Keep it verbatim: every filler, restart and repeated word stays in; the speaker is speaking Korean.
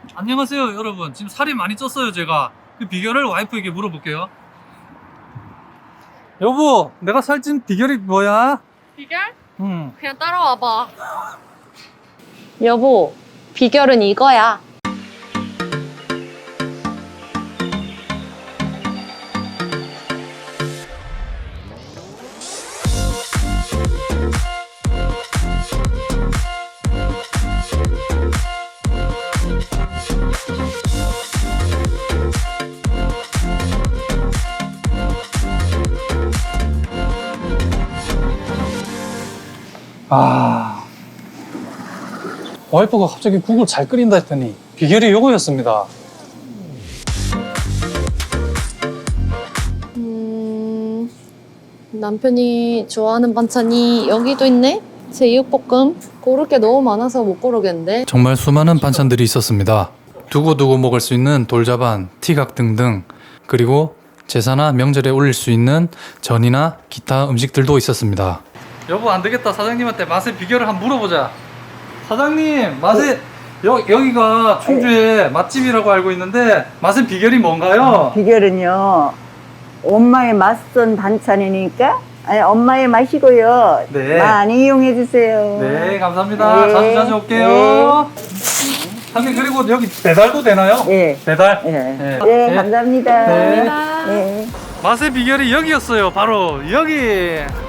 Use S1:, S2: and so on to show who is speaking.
S1: 안녕하세요 여러분. 지금 살이 많이 쪘어요 제가. 그 비결을 와이프에게 물어볼게요. 여보, 내가 살찐 비결이 뭐야?
S2: 비결?
S1: 응.
S2: 그냥 따라와봐. 여보, 비결은 이거야.
S1: 아, 와이프가 갑자기 국을 잘 끓인다 했더니 비결이 요거였습니다.
S2: 음, 남편이 좋아하는 반찬이 여기도 있네? 제육볶음? 고를 게 너무 많아서 못 고르겠는데?
S1: 정말 수많은 반찬들이 있었습니다. 두고두고 먹을 수 있는 돌자반, 티각 등등, 그리고 제사나 명절에 올릴 수 있는 전이나 기타 음식들도 있었습니다. 여보, 안 되겠다. 사장님한테 맛의 비결을 한번 물어보자. 사장님, 맛의 여, 여기가 충주의 맛집이라고 알고 있는데 맛의 비결이 뭔가요?
S3: 비결은요, 엄마의 맛선 반찬이니까 아니, 엄마의 맛이고요.
S1: 네.
S3: 많이 이용해 주세요.
S1: 네, 감사합니다.
S3: 네.
S1: 자주 자주 올게요. 사장님, 그리고 여기 배달도 되나요?
S3: 네.
S1: 배달?
S3: 네.
S1: 네.
S3: 네,
S1: 네.
S3: 감사합니다.
S1: 네.
S3: 네.
S1: 맛의 비결이 여기였어요. 바로 여기.